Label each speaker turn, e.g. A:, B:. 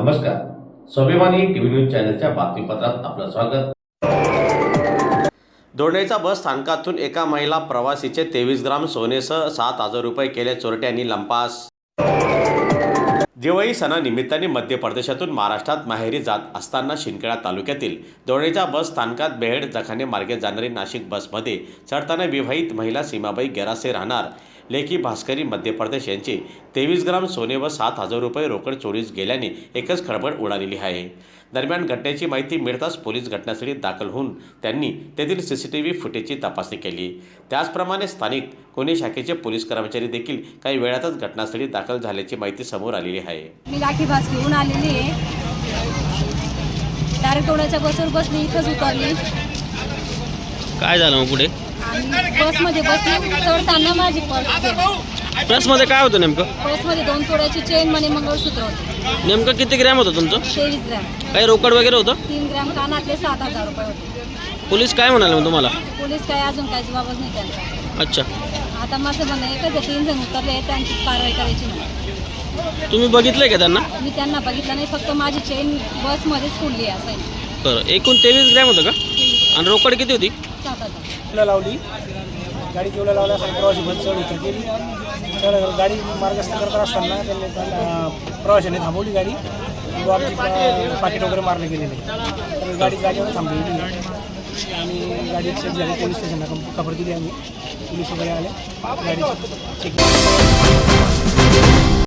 A: नमस्कार, स्वाभिमानी TV news चॅनलच्या बातमीपत्रात आपलं स्वागत। दोंडेचा बस स्थानकातून एका महिला प्रवासीचे 23 ग्राम सोनेसह 7,000 रुपये केले चोरट्यांनी लंपास। दिवाळी सणानिमित्ताने मध्य प्रदेशातून महाराष्ट्रात माहेरी जात असताना शिंदखेडा तालुक्यातील दोंडेच्या बस स्थानकात बेहेड जखाने मार्गे जाणारी नाशिक बसमध्ये चढताना विवाहित महिला सीमाबाई गेरासे राहणार लेखी भास्करी मध्य प्रदेश यांचे 23 ग्राम सोने व 7,000 रुपये रोकड चोरीस गेल्याने एकच खळबळ उडालेली आहे। दरम्यान घटनेची माहिती मिळताच पोलीस घटनास्थळी दाखल होऊन त्यांनी तेथील सीसीटीव्ही फुटेजची तपासणी केली। त्याचप्रमाणे स्थानिक कोणी शाखेचे पोलीस कर्मचारी देखील काही वेळातच घटनास्थळी दाखल झाल्याची माहिती समोर आलेली आहे।
B: मी लाठी भास घेऊन आलेली आहे। डायरेक्ट दोंड्याच्या बसवर बसली, इथंच उतरली।
C: काय झालं मग पुढे?
B: बसमध्ये बसली, चढताना माझी पर्स
C: बसमध्ये काय होतं नेमकं?
B: बसमध्ये 2 तोळ्याची चेन मनी मंगळसूत्र होते।
C: नेमकं किती ग्रॅम होतं तुमचं?
B: 23 ग्रॅम।
C: काही रोकड वगैरे होतं?
B: 3 ग्रॅम कानातले 7,000 रुपये होते।
C: पोलीस काय म्हणाले मग तुम्हाला?
B: पोलीस काय अजून काही जबाबच नाही त्यांचा।
C: अच्छा,
B: आता माझं म्हणणं एकच आहे, 3 जण उतरले, त्यांची कारवाई करायची नाही।
C: तुम्ही बघितलंय का त्यांना?
B: मी त्यांना बघितलं नाही, फक्त माझी चेन बसमध्येच फुडली असं आहे।
C: बरं, एकूण 23 ग्रॅम होतं का? आणि रोकड किती होती?
B: 7,000
D: लावली गाडी केवढ्या लावल्या प्रवासी बस चढ उतर केली। गाडी मार्गस्थ करत असताना त्यांनी प्रवाशांनी थांबवली गाडी व आमची पाकिट वगैरे मारले गेलेले, तर गाडी जागेवर थांबवली आणि गाडी चेक झाली। पोलीस स्टेशनला खबर दिली आम्ही, पोलीस वगैरे आले, गाडी चेक